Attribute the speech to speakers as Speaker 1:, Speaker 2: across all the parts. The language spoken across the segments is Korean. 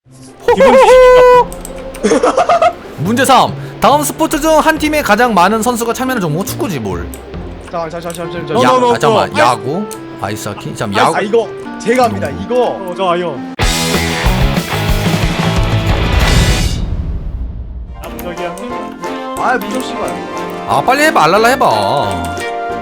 Speaker 1: 문제 3. 다음 스포츠 중 한 팀에 가장 많은 선수가 참여하는 종목 축구지 뭘?
Speaker 2: 잠깐.
Speaker 1: 잠깐만. 야구, 아이스하키. 잠 야구.
Speaker 2: 이거 제가 합니다. 이거.
Speaker 3: 좋아요. 남적이야.
Speaker 2: 무섭 씨발.
Speaker 1: 아 빨리 해봐. 알랄라 해봐.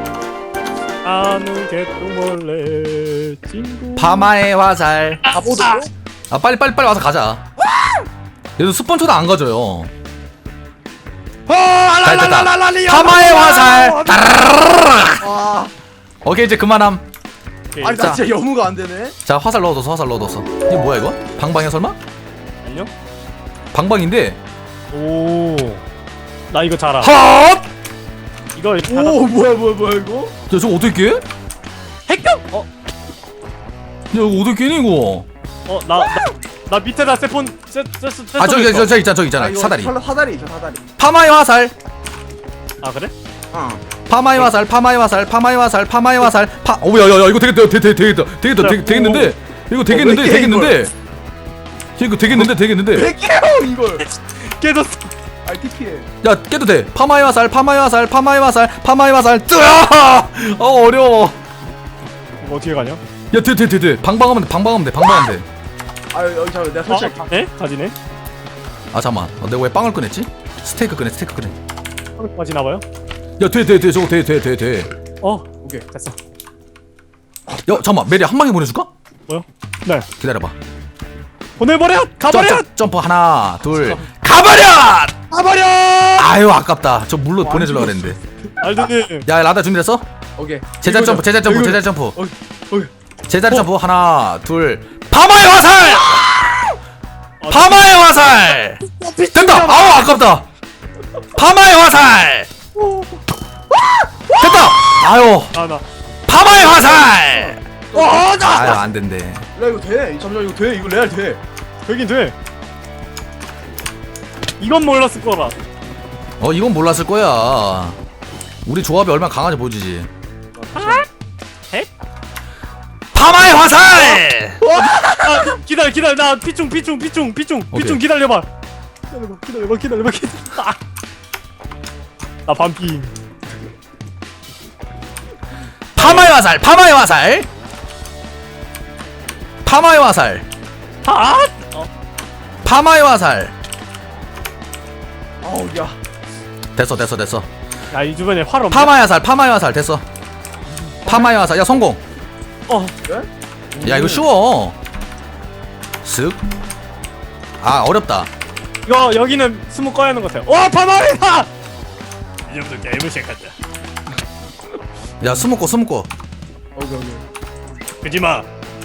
Speaker 3: 아는 개똥벌레 친구.
Speaker 1: 파마의 화살.
Speaker 2: 바보도.
Speaker 1: 아 빨리 와서 가자. 얘도 스폰서도 안 가져요. 잘 됐다. 파마의 화살.
Speaker 2: 아,
Speaker 1: 오케이 이제 그만함.
Speaker 2: 아니 나 진짜 여무가 안 되네.
Speaker 1: 자 화살 넣어뒀어. 이게 뭐야 이거? 방방이야 설마?
Speaker 3: 아니요.
Speaker 1: 방방인데.
Speaker 3: 오. 나 이거 잘 알아.
Speaker 1: 헛!
Speaker 3: 이거
Speaker 2: 오 뭐야 이거?
Speaker 1: 야 저거 어떻게 깨? 야
Speaker 3: 핵경.
Speaker 1: 이거 어떻게 깨니 이거?
Speaker 3: 나 밑에다 세폰
Speaker 1: 아 저기 있잖아.
Speaker 2: 이거
Speaker 1: 사다리.
Speaker 2: 사다리.
Speaker 1: 파마의 화살.
Speaker 3: 아 그래?
Speaker 1: 파마의 화살. 오야야야 이거 되겠는데? 이거 되겠는데?
Speaker 2: 100개요 이걸.
Speaker 3: 깨졌어.
Speaker 2: TP에.
Speaker 1: 야 깨도 돼. 파마의 화살. 뜨아! 어려워.
Speaker 3: 이거 어떻게 가냐?
Speaker 1: 야 돼. 방방하면 돼.
Speaker 2: 여기 잠깐 내가 설치할게.
Speaker 3: 에? 가지네?
Speaker 1: 아 잠만. 내가 왜 빵을 꺼냈지? 스테이크 꺼내.
Speaker 3: 가지나봐요?
Speaker 1: 야 돼. 저거 돼.
Speaker 3: 오케이 됐어.
Speaker 1: 야 잠만. 메리 한 방에 보내줄까?
Speaker 3: 뭐요? 네
Speaker 1: 기다려봐.
Speaker 3: 보내버려! 가버려!
Speaker 1: 점프 하나 둘. 가버려! 아유 아깝다. 저 물로 보내주려고 그랬는데.
Speaker 3: 알드님
Speaker 1: 야 라다 준비됐어?
Speaker 2: 오케이.
Speaker 1: 제자리 점프.
Speaker 2: 오케이.
Speaker 1: 제자리 점프 하나 둘. 파마의 화살! 파마의 화살! 된다! 아우 아깝다! 파마의 화살! 됐다! 아유
Speaker 3: 나
Speaker 1: 파마의 화살!
Speaker 2: 나.
Speaker 1: 아유 안된대.
Speaker 2: 야 이거 돼. 잠시만 이거 돼. 이거 레알 돼.
Speaker 3: 되긴 돼. 이건 몰랐을 거라.
Speaker 1: 이건 몰랐을 거야. 우리 조합이 얼마나 강한지 보여주지. 파마의 화살!
Speaker 3: 기다려 나 피충 기다려봐. 기다려봐. 나 반피.
Speaker 1: 파마의 화살! 파마의 화살!
Speaker 2: 아우 야.
Speaker 1: 됐어.
Speaker 3: 야 이 주변에 활 없네.
Speaker 1: 파마의 화살 됐어. 파마의 화살. 야 성공.
Speaker 2: 그래?
Speaker 1: 야 이거 쉬워. 쓱. 아 어렵다.
Speaker 3: 이거 여기는 스무 꺼야 하는 것 같아요. 와 파마리다. 이 정도 게임을 시작한다.
Speaker 1: 야 스모코.
Speaker 2: 오케이.
Speaker 3: 그지마.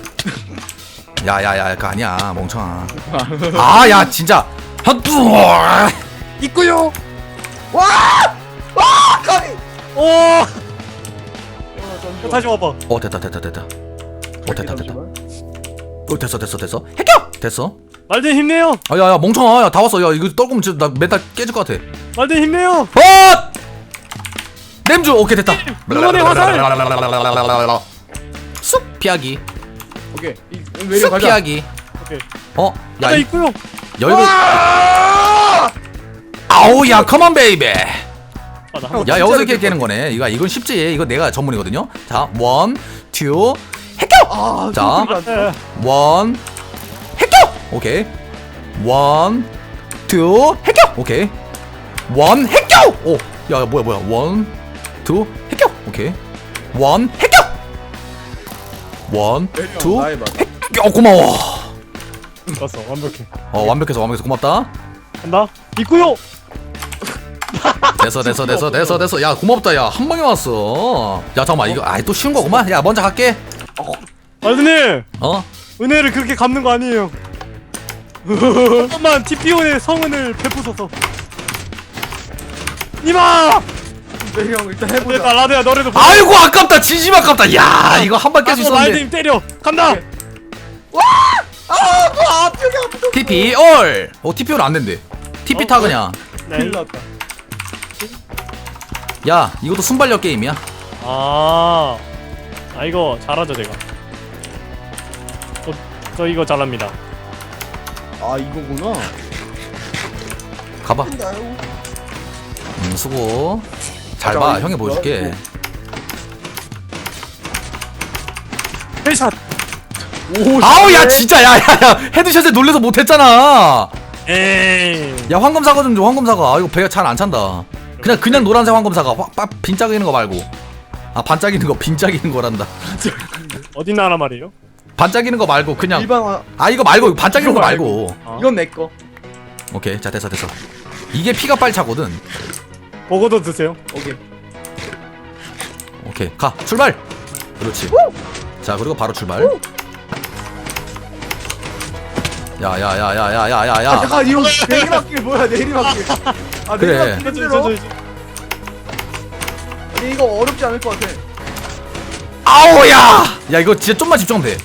Speaker 1: 야야야 그거 아니야 멍청아. 아 야 진짜.
Speaker 3: 있구요.
Speaker 2: 까비.
Speaker 3: 오. 다시 와봐.
Speaker 1: 됐다. 됐어. 해결. 됐어.
Speaker 3: 말든 힘내요.
Speaker 1: 야야 멍청아. 야 다 왔어. 야 이거 떨구면 진짜 나 메탈 깨질 것 같아.
Speaker 3: 말든 힘내요.
Speaker 1: 냄주. 오케이 됐다.
Speaker 3: 응원의 화살.
Speaker 1: 쑥 피하기.
Speaker 2: 오케이. 왜
Speaker 1: 쑥
Speaker 2: 가자.
Speaker 1: 피하기.
Speaker 3: 오케이.
Speaker 1: 야
Speaker 3: 나 있구요.
Speaker 1: 여기가. 아우 야 컴온 베이비.
Speaker 3: 나
Speaker 1: 야 여기서 이렇게 깨는 거네. 이건 쉽지. 이거 내가 전문이거든요. 자, 1, 2, 해결. 자, 1, 해결. 오케이. 1, 2, 해결. 오케이. 1 해결. 오, 야 뭐야. 1, 2, 해결. 오케이. 1 해결. 1, 2, 해결. 고마워.
Speaker 3: 좋았어 완벽해.
Speaker 1: 완벽해서 고맙다.
Speaker 3: 간다. 있구요.
Speaker 1: 됐어. 야 고맙다. 야 한 방에 왔어. 야 잠깐만 이거 또 쉬운 거구만. 야 먼저 갈게.
Speaker 3: 말든님
Speaker 1: 어?
Speaker 3: 은혜를 그렇게 갚는 거 아니에요. 잠깐만 TPO의 성은을 베푸소서. 이마.
Speaker 2: 네, 형 일단 해보자.
Speaker 3: 됐다 라드야 너래도.
Speaker 1: 아이고 아깝다. 진심 아깝다. 야 이거 한 방 깰 수 있었는데.
Speaker 3: 말든 때려. 간다.
Speaker 1: TP 올. TP 올 안 된대. TP 타 그냥.
Speaker 2: 큰일 났다.
Speaker 1: 야 이것도 순발력 게임이야.
Speaker 3: 아 이거 잘하죠 제가. 저 이거 잘합니다.
Speaker 2: 아 이거구나.
Speaker 1: 가봐. 수고. 잘 봐. 형이 보여줄게.
Speaker 3: 헤드샷.
Speaker 2: 오.
Speaker 1: 아우 야 진짜 야야야 헤드샷에 놀래서 못했잖아.
Speaker 3: 에이.
Speaker 1: 야 황금 사과 좀 줘. 황금 사과. 아 이거 배가 잘 안 찬다. 그냥 노란색 황금 사과. 빈짝이는 거 말고. 아 반짝이는 거 빈짝이는 거란다.
Speaker 3: 어디 나라 말이에요?
Speaker 1: 반짝이는 거 말고 그냥.
Speaker 2: 일반
Speaker 1: 아 이거 말고 반짝이는 거 말고.
Speaker 2: 이건 내 거.
Speaker 1: 오케이 자 됐어. 이게 피가 빨리 차거든.
Speaker 3: 보고도 드세요.
Speaker 2: 오케이.
Speaker 1: 오케이 가 출발. 그렇지. 자 그리고 바로 출발. 야야야야야야야야.
Speaker 2: 아 잠깐 이거 내리막길 뭐야 내리막길. 아
Speaker 1: 그래.
Speaker 2: 내리막길 힘들어. 아니 이거 어렵지 않을 것 같아.
Speaker 1: 아우야. 야 이거 진짜 좀만 집중하면 돼.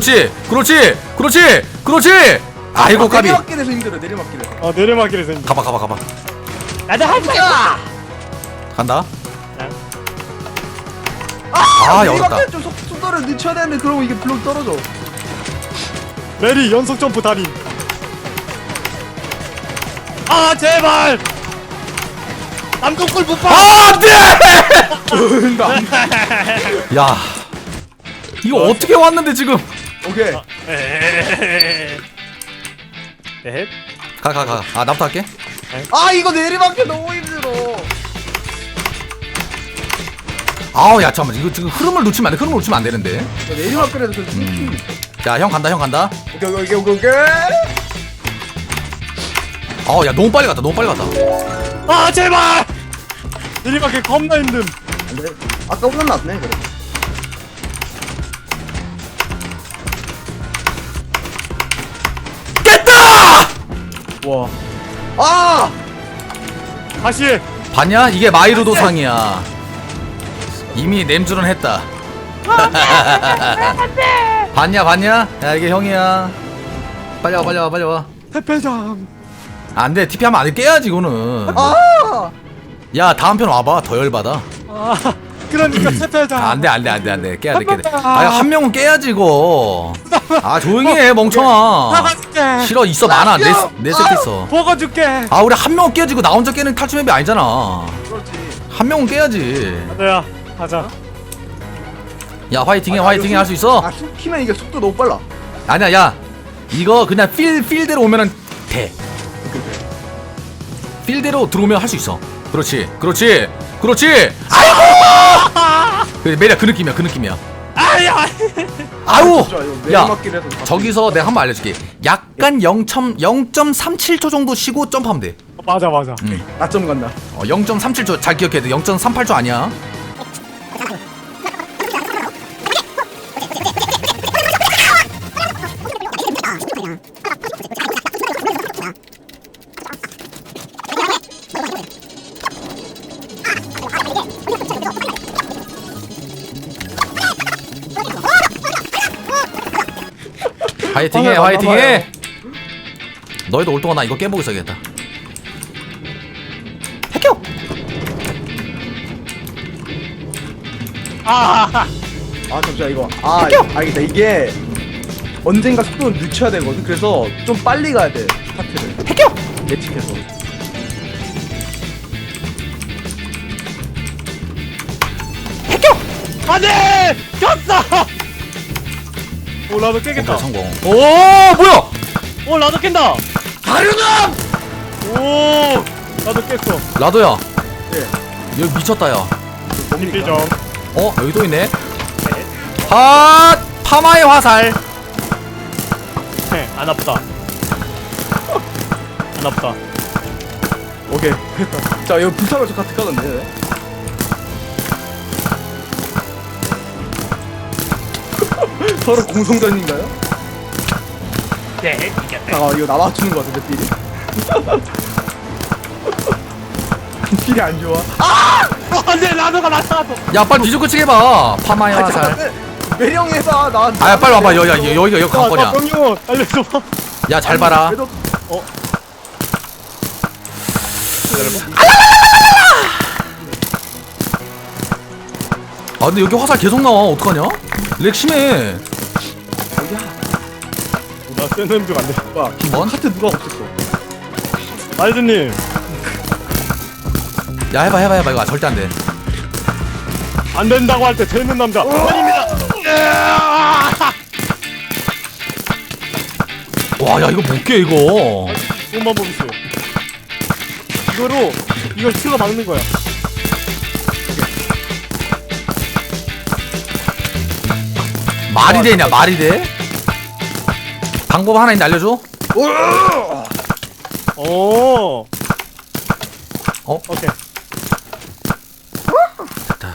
Speaker 1: 그렇지. 아이고 까비.
Speaker 2: 내리막길에서 힘들어 내리막길에서.
Speaker 3: 아 내리막길에서 이제.
Speaker 1: 가봐.
Speaker 3: 나도 할 거야.
Speaker 1: 간다.
Speaker 3: 네.
Speaker 1: 아 어렵다.
Speaker 2: 내리막길 좀 속도를 늦춰야 되는데 그러면 이게 블록 떨어져.
Speaker 3: 메리 연속 점프 달인. 아 제발. 남동골 못 봐.
Speaker 1: 아 안돼. 야 이거 어떻게 왔는데 지금.
Speaker 2: 오케이.
Speaker 3: 에헷.
Speaker 1: 가. 아 나부터 할게.
Speaker 2: 아 이거 내리막길 너무 힘들어.
Speaker 1: 아우 야 잠깐만 이거 지금 흐름을 놓치면 안 되는데.
Speaker 2: 내리막길에서 그 힘.
Speaker 1: 자 형 간다.
Speaker 2: 오케이.
Speaker 1: 아우 야 너무 빨리 갔다.
Speaker 3: 아 제발. 내리막길 겁나 힘듦.
Speaker 2: 안돼. 아까보다 낫네 그래.
Speaker 1: 깼다.
Speaker 2: 와. 아.
Speaker 3: 다시.
Speaker 1: 봤냐? 이게 마이루도 상이야. 이미 냄주는 했다. 봤냐? 야 이게 형이야. 빨리 와.
Speaker 3: 태페장.
Speaker 1: 안돼 TP 하면 안돼 깨야지 이거는.
Speaker 2: 아.
Speaker 1: 야 다음 편 와봐 더 열받아.
Speaker 3: 아 그러니까 태페장.
Speaker 1: 안돼 깨야 돼. 아한 명은 깨야지 이거. 아 조용히 해 멍청아.
Speaker 3: 나가줄게.
Speaker 1: 싫어 있어 많아 내 새끼 있어.
Speaker 3: 보고 줄게.
Speaker 1: 아 우리 한 명은 깨야지 이거 나 혼자 깨는 탈출맵이 아니잖아.
Speaker 2: 그렇지.
Speaker 1: 한 명은 깨야지.
Speaker 3: 안돼야 가자.
Speaker 1: 야 화이팅해 할 수 있어.
Speaker 2: 아 숨기면 이게 속도 너무 빨라.
Speaker 1: 아니야 야 이거 그냥 필대로 오면은 돼. 필대로 들어오면 할 수 있어. 그렇지 아이고 그래 매력 그 느낌이야.
Speaker 3: 아야.
Speaker 1: 아우
Speaker 2: 진짜 이거
Speaker 1: 야
Speaker 2: 내리막길에서
Speaker 1: 저기서 내가 한 번 알려줄게. 약간 0.37초 정도 쉬고 점프하면 돼.
Speaker 3: 맞아.
Speaker 2: 나점 간다.
Speaker 1: 0.37초 잘 기억해야 돼. 0.38초 아니야. 화이팅해. 너희도 올 동안 나 이거 깨보고 있어야겠다. 해켜.
Speaker 3: 아
Speaker 2: 잠시만 이거. 알겠다. 이게 언젠가 속도를 늦춰야 되거든. 그래서 좀 빨리 가야 돼. 스타트를.
Speaker 1: 해켜.
Speaker 2: 예측해서.
Speaker 3: 안돼. 꼈어. 오 나도 깨겠다.
Speaker 1: 오케이, 성공. 오 뭐야?
Speaker 3: 오 나도 깬다.
Speaker 1: 가르남.
Speaker 3: 오 나도 깼어.
Speaker 1: 라도야.
Speaker 2: 예.
Speaker 1: 여기 미쳤다 야.
Speaker 3: TP점.
Speaker 1: 여기 또 있네. 핫 파마의 화살.
Speaker 3: 안 아프다. 안 아프다.
Speaker 2: 오케이. 됐다. 자 이거 불타로 저 같이 가던데. 서로 공성전인가요?
Speaker 3: 네.
Speaker 2: 아 이거 나 맞추는 거 같은데 필이. 필이 안 좋아.
Speaker 3: 안돼 나도가 나타났어.
Speaker 1: 야 빨리 뒤집고 치게 봐. 파마의 화살.
Speaker 2: 매령이 해봐. 나.
Speaker 1: 아야 빨리 와봐. 여기가 관건이야.
Speaker 3: 병용 알려줘.
Speaker 1: 야 잘 봐라.
Speaker 2: 그래도
Speaker 1: 아 근데 여기 화살 계속 나와. 어떡하냐? 렉 심해.
Speaker 2: 어디야?
Speaker 3: 나 뜨는 중 안돼.
Speaker 2: 뭐야
Speaker 1: 뭔?
Speaker 2: 카트 누가 없앴어?
Speaker 3: 마이드님
Speaker 1: 야 해봐 이거 절대 안돼.
Speaker 3: 안 된다고 할 때 되는 남자 아닙니다.
Speaker 1: 와 야 이거 못 깨 이거.
Speaker 3: 좋은 방법 있어요. 이거로 이걸 틀어 막는 거야.
Speaker 1: 말이 되냐 말이 돼? 방법 하나 있는데 알려줘?
Speaker 3: 오.
Speaker 1: 어?
Speaker 3: 오케이.
Speaker 1: 됐다.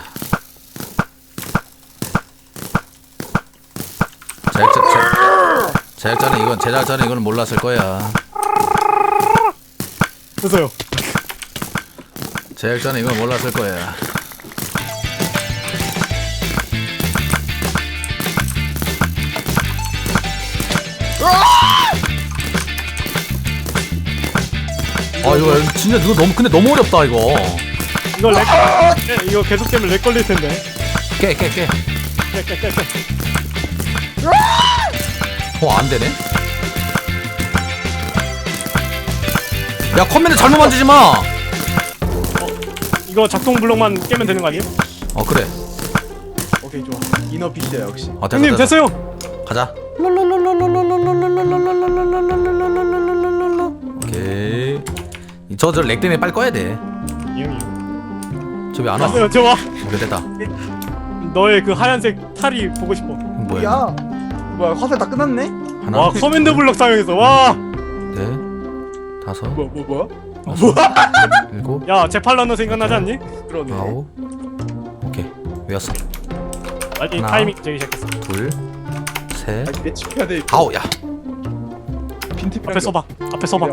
Speaker 1: 제작자는 이건 몰랐을 거야.
Speaker 3: 됐어요.
Speaker 1: 제작자는 이건 몰랐을 거야. 아 이거 진짜 이거 근데 너무 어렵다 이거.
Speaker 3: 이거 이거 계속되면 렉 걸릴 텐데.
Speaker 1: 깨.
Speaker 3: 깨.
Speaker 1: 안 되네. 야 컴퓨터 잘못 만지지 마.
Speaker 3: 이거 작동 블록만 깨면 되는 거 아니에요?
Speaker 1: 그래.
Speaker 2: 오케이 좋아. 이너 피시야 역시.
Speaker 3: 형님 됐어요.
Speaker 1: 가자. 오케이. 저 렉 때문에 빨리 꺼야 돼.
Speaker 3: 이 형이.
Speaker 1: 저 왜 안 와?
Speaker 3: 됐어요. 좋아.
Speaker 1: 오케이 됐다.
Speaker 3: 너의 그 하얀색 탈이 보고 싶어.
Speaker 1: 뭐야?
Speaker 2: 야 뭐야 화살 다 끝났네?
Speaker 1: 하나,
Speaker 3: 와 커맨드 블록 사용해서 와.
Speaker 1: 넷, 다섯,
Speaker 2: 뭐야?
Speaker 1: 일곱,
Speaker 3: 야 제팔러너 생각나지 않니?
Speaker 2: 그러네.
Speaker 1: 아홉. 오케이 외웠어.
Speaker 3: 아니
Speaker 1: 하나.
Speaker 3: 타이밍 되기 시작했어.
Speaker 1: 둘, 셋,
Speaker 2: 아니 매치해야 돼.
Speaker 1: 아홉. 야.
Speaker 2: 빈티
Speaker 3: 앞에 서봐. 앞에 서봐.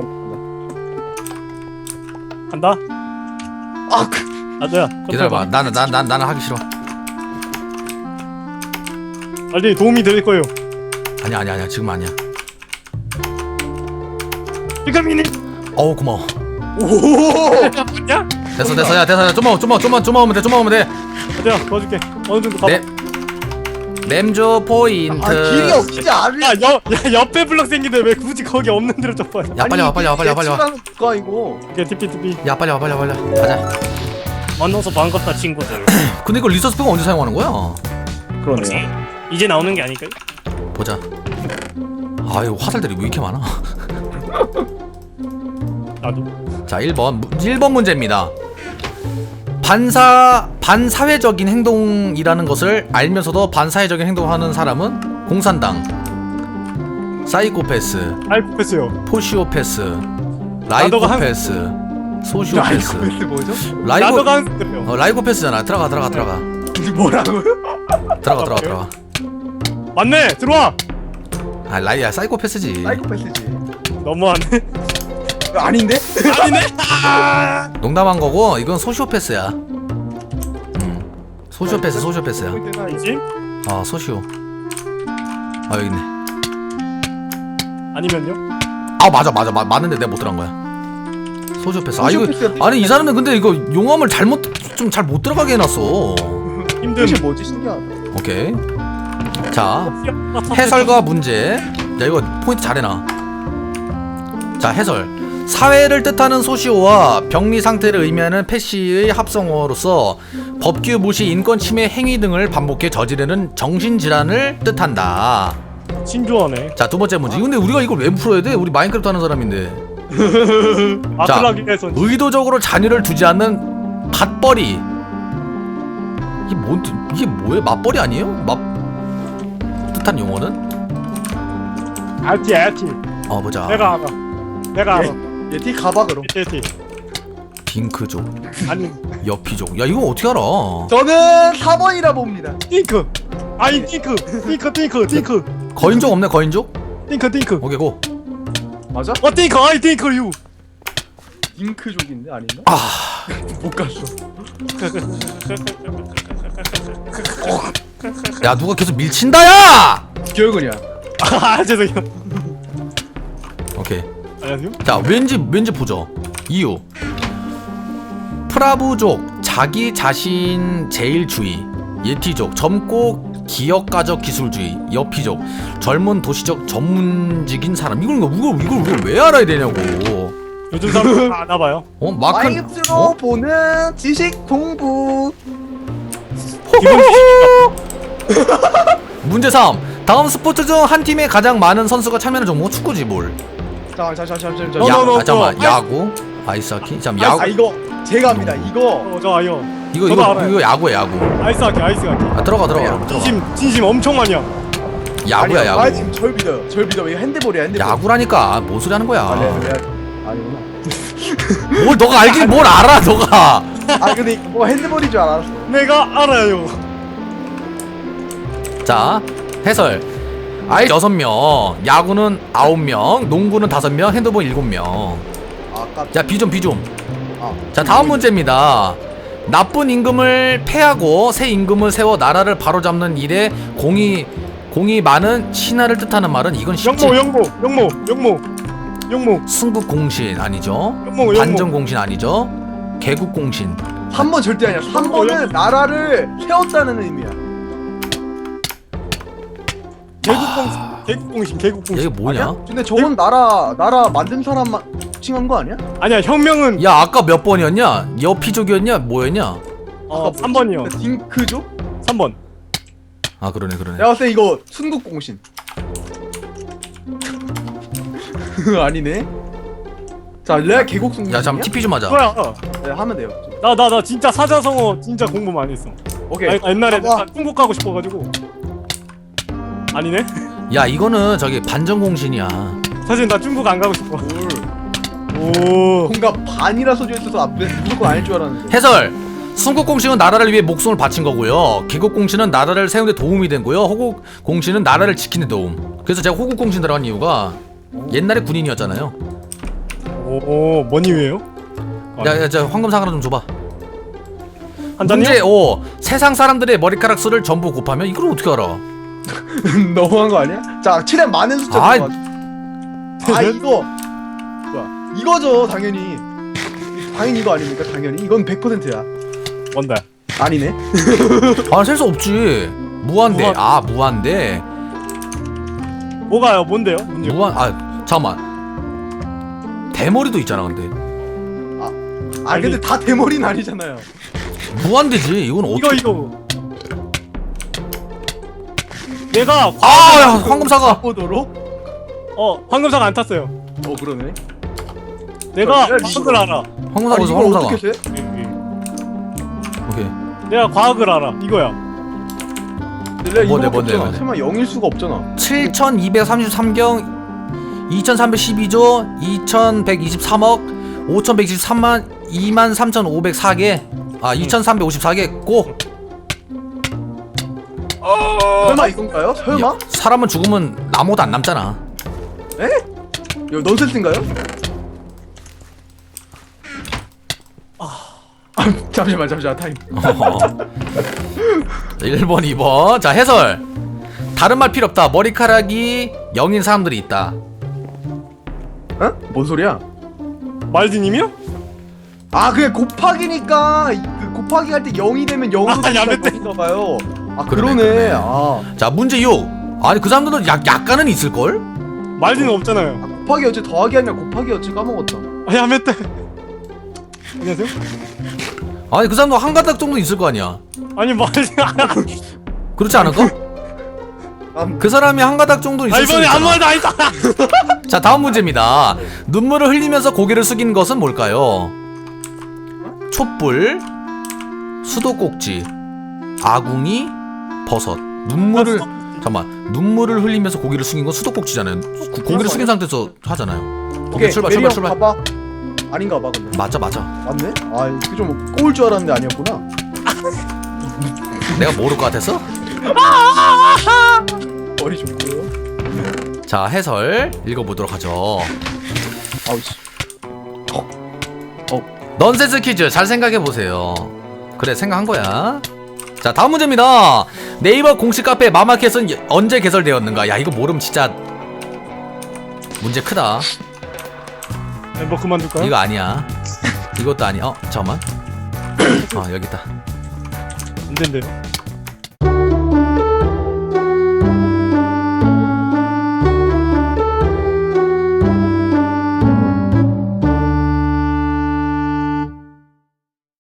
Speaker 3: 간다.
Speaker 2: 아
Speaker 3: 아저야.
Speaker 1: 기다려봐. 나는 하기 싫어.
Speaker 3: 빨리 도움이 될 거예요.
Speaker 1: 아니야. 지금 아니야.
Speaker 3: 지금이니?
Speaker 1: 어우 고마워.
Speaker 2: 오.
Speaker 3: 야?
Speaker 1: 됐어. 야 됐어. 좀만 오면 돼.
Speaker 3: 아저야 도와줄게. 어느 정도 가봐.
Speaker 1: 램조 포인트.
Speaker 2: 아 길이 없지 않아.
Speaker 3: 야 옆에 블럭 생긴데 왜 굳이 거기 없는 데로 좀 봐요.
Speaker 1: 야 빨리 와.
Speaker 2: 거 이거.
Speaker 3: 오케이 TP.
Speaker 1: 야 빨리 와. 가자.
Speaker 3: 만나서 반갑다 친구들.
Speaker 1: 근데 이거 리소스 팩은 언제 사용하는 거야?
Speaker 2: 그러네요.
Speaker 3: 이제 나오는 게 아닐까요?
Speaker 1: 보자. 아 이거 화살들이 왜 이렇게 많아?
Speaker 3: 나도.
Speaker 1: 자 1번 문제입니다. 반사회적인 행동이라는 것을 알면서도 반사회적인 행동을 하는 사람은 공산당, 사이코패스,
Speaker 3: 알코패스요.
Speaker 1: 포시오패스, 라이코패스, 소시오패스.
Speaker 2: 라이코패스 뭐죠?
Speaker 3: 나도 간.
Speaker 1: 라이코패스잖아. 들어가.
Speaker 2: 뭐라고요?
Speaker 1: 들어가.
Speaker 3: 맞네. 들어와.
Speaker 1: 야 사이코패스지.
Speaker 2: 사이코패스지.
Speaker 3: 너무하네.
Speaker 2: 아닌데?
Speaker 3: 아니네.
Speaker 1: 농담한 거고 이건 소시오패스야. 소시오패스야.
Speaker 3: 아니지?
Speaker 1: 소시오. 여기 있네.
Speaker 3: 아니면요?
Speaker 1: 맞아. 맞는데 내가 못 들어간 거야. 소시오패스.
Speaker 2: 소시오패스야.
Speaker 1: 아니 이 사람은 근데 이거 용암을 잘 못 들어가게 해놨어.
Speaker 3: 힘듦.
Speaker 2: 뜻이 뭐지 신기하다.
Speaker 1: 오케이. 자 해설과 문제. 야 이거 포인트 잘 해놔. 자 해설. 사회를 뜻하는 소시오와 병리 상태를 의미하는 패시의 합성어로서 법규 무시, 인권 침해 행위 등을 반복해 저지르는 정신질환을 뜻한다.
Speaker 3: 신조어네.
Speaker 1: 자 두 번째 문제. 근데 우리가 이걸 왜 풀어야 돼? 우리 마인크래프트 하는 사람인데.
Speaker 3: 아틀라기 해서
Speaker 1: 의도적으로 잔유를 두지 않는 밭벌이. 이게 뭐예요? 맞벌이 아니에요? 뜻한 용어는?
Speaker 3: 알티.
Speaker 1: 보자.
Speaker 3: 내가 알아.
Speaker 2: 얘티 가봐 그럼.
Speaker 3: 알티.
Speaker 1: 딩크족,
Speaker 3: 아니
Speaker 1: 여피족. 야 이거 어떻게 알아?
Speaker 2: 저는 4번이라 봅니다.
Speaker 3: 띵크. 아니 띵크.
Speaker 1: 거인족 없네 거인족?
Speaker 3: 띵크.
Speaker 1: 오케이 고.
Speaker 2: 맞아?
Speaker 3: 띵크. 아이 띵크 유.
Speaker 2: 잉크족인데 아닌가? 못 갔어.
Speaker 1: 야 누가 계속 밀친다 야!
Speaker 2: 기억은이야.
Speaker 3: 죄송해요.
Speaker 1: 오케이.
Speaker 3: 안녕하세요.
Speaker 1: 자 왠지 보죠. 이유. 프라브족 자기 자신 제일주의. 예티족 젊고 기업가적 기술주의, 여피족, 젊은 도시적 전문직인 사람. 이걸 왜 알아야 되냐고.
Speaker 3: 요즘 사람 다 아나봐요.
Speaker 1: 마크.
Speaker 2: 마이크로 보는 지식 공부.
Speaker 3: 기본
Speaker 1: 문제 3. 다음 스포츠 중 한 팀에 가장 많은 선수가 참여하는 종목 축구지 뭘?
Speaker 2: 잠깐만.
Speaker 1: 잠깐만. 야구, 아이스하키. 잠깐 야구.
Speaker 2: 이거 제가 합니다. 이거
Speaker 3: 저 아이요.
Speaker 1: 이거
Speaker 3: 저도 알아요.
Speaker 1: 이거 야구야 야구.
Speaker 3: 아이스하키.
Speaker 1: 들어가.
Speaker 3: 진심 엄청 많이 함.
Speaker 1: 야구야 야구.
Speaker 2: 아 지금 절 믿어. 이거 핸드볼이야 핸드볼.
Speaker 1: 야구라니까 뭔 소리 하는 거야?
Speaker 2: 아니구나.
Speaker 1: 뭘 너가 알긴 뭘 알아 너가.
Speaker 2: 근데 뭐 핸드볼인 줄 알았어.
Speaker 3: 내가 알아요.
Speaker 1: 자 해설. 아이 6명, 야구는 9명, 농구는 5명, 핸드볼 7명. 자 비좀. 자 다음 문제입니다. 나쁜 임금을 패하고 새 임금을 세워 나라를 바로잡는 일에 공이 많은 신하를 뜻하는 말은 이건 쉽지.
Speaker 3: 영모.
Speaker 1: 승국공신 아니죠?
Speaker 3: 영모.
Speaker 1: 반정공신 아니죠? 개국공신.
Speaker 2: 3번 절대 아니야. 3번은 나라를 세웠다는 의미야.
Speaker 3: 개국공신.
Speaker 1: 이게 뭐냐?
Speaker 2: 아니야? 근데 저건 나라 만든 사람만 칭한 거 아니야?
Speaker 3: 아니야, 혁명은
Speaker 1: 야 아까 몇 번이었냐? 여피족이었냐? 뭐였냐?
Speaker 3: 3번이요.
Speaker 2: 딩크족?
Speaker 3: 3번.
Speaker 1: 아 그러네.
Speaker 2: 내가 봤을 때 이거 순국공신. 아니네. 자, 레아 계곡송신.
Speaker 1: 야 잠깐 TP 좀 하자.
Speaker 3: 뭐야?
Speaker 2: 네, 하면 돼요.
Speaker 3: 나 진짜 사자성어 진짜 공부 많이 했어.
Speaker 2: 오케이.
Speaker 3: 옛날에
Speaker 2: 봐봐.
Speaker 3: 나 중국 가고 싶어가지고. 아니네?
Speaker 1: 야 이거는 저기 반정공신이야.
Speaker 3: 사실 나 중국 안 가고 싶어.
Speaker 2: 뭘.
Speaker 3: 오.
Speaker 2: 뭔가 반이라 써져 있어서 무조건 아닐 줄 알았는데.
Speaker 1: 해설. 순국공신은 나라를 위해 목숨을 바친 거고요. 개국공신은 나라를 세우는 데 도움이 된 거고요. 호국공신은 나라를 지키는 데 도움. 그래서 제가 호국공신 들어간 이유가 옛날에 군인이었잖아요.
Speaker 3: 오, 뭔 이유예요?
Speaker 1: 야, 저 황금상 하나 좀 줘봐.
Speaker 3: 한 잔요?
Speaker 1: 문제 5. 세상 사람들의 머리카락 수를 전부 곱하면 이걸 어떻게 알아?
Speaker 2: 너무한 거 아니야? 자, 7에 많은 숫자
Speaker 1: 아이.
Speaker 2: 들어가. 이거 뭐야? 이거죠, 당연히. 당연히 이거 아닙니까? 당연히. 이건 100%야.
Speaker 3: 뭔데?
Speaker 2: 아니네.
Speaker 1: 셀 수 없지. 무한대. 무한대.
Speaker 3: 뭐가요? 뭔데요? 문제.
Speaker 1: 잠깐만. 대머리도 있잖아 근데.
Speaker 2: 근데 다 대머리는 아니잖아요.
Speaker 1: 무한대지. 이건 어떻게?
Speaker 3: 이거. 내가
Speaker 1: 야, 황금사가.
Speaker 2: 보도록?
Speaker 3: 황금사가 안 탔어요.
Speaker 2: 그러네.
Speaker 3: 내가
Speaker 2: 야,
Speaker 3: 과학을 알아.
Speaker 1: 황금사가 어디서
Speaker 2: 이걸
Speaker 1: 황금사가.
Speaker 2: 어떻게 세?
Speaker 1: 오케이.
Speaker 3: 내가 과학을 알아. 이거야.
Speaker 1: 뭔데?
Speaker 2: 설마 0일 수가 없잖아.
Speaker 1: 7233경 2312조 2123억 5123만 23504개 2354개 고.
Speaker 2: 설마 이건가요? 설마?
Speaker 1: 야, 사람은 죽으면 나무도 안 남잖아.
Speaker 2: 에? 이거 넌센스인가요? 잠시만 타임.
Speaker 1: 1번 2번. 자 해설. 다른 말 필요 없다. 머리카락이 0인 사람들이 있다.
Speaker 2: 뭔 소리야?
Speaker 3: 말디님이요?
Speaker 2: 그게 곱하기니까 그 곱하기 할 때 0이 되면 0으로
Speaker 3: 야,
Speaker 2: 될 것인가 봐요.
Speaker 1: 그러네.
Speaker 2: 그러네.
Speaker 1: 자 문제 6. 아니 그 사람들은 약간은 있을걸?
Speaker 3: 말디는 없잖아요.
Speaker 2: 곱하기였지 더하기 아니라 곱하기였지 까먹었다.
Speaker 3: 야, 멧돼. 안녕하세요?
Speaker 1: 아니 그 사람도 한 가닥 정도 있을 거 아니야.
Speaker 3: 아니 말디.
Speaker 1: 그렇지 않을까? 그 사람이 한 가닥 정도 있을 수
Speaker 3: 이번에
Speaker 1: 있잖아.
Speaker 3: 아무 말도 안 했다.
Speaker 1: 자 다음 문제입니다. 눈물을 흘리면서 고개를 숙이는 것은 뭘까요? 촛불, 수도꼭지, 아궁이, 버섯. 눈물을 흘리면서 고개를 숙인 건 수도꼭지잖아요. 고개를 숙인 상태에서 하잖아요. 오케이 출발.
Speaker 2: 봐봐. 아닌가 봐 근데.
Speaker 1: 맞아.
Speaker 2: 맞네? 이게 좀 꼬울 줄 알았는데 아니었구나.
Speaker 1: 내가 모를 것 같았어?
Speaker 2: 머리 좋고요.
Speaker 1: 자 해설 읽어보도록 하죠.
Speaker 2: 아우씨.
Speaker 1: 넌센스 퀴즈 잘 생각해보세요. 그래 생각한 거야. 자 다음 문제입니다. 네이버 공식 카페 마마켓은 언제 개설되었는가? 야 이거 모르면 진짜 문제 크다.
Speaker 3: 뭐 그만둘까요?
Speaker 1: 이거 아니야. 이것도 아니야. 잠깐만. 여기 있다.
Speaker 3: 안 된대요.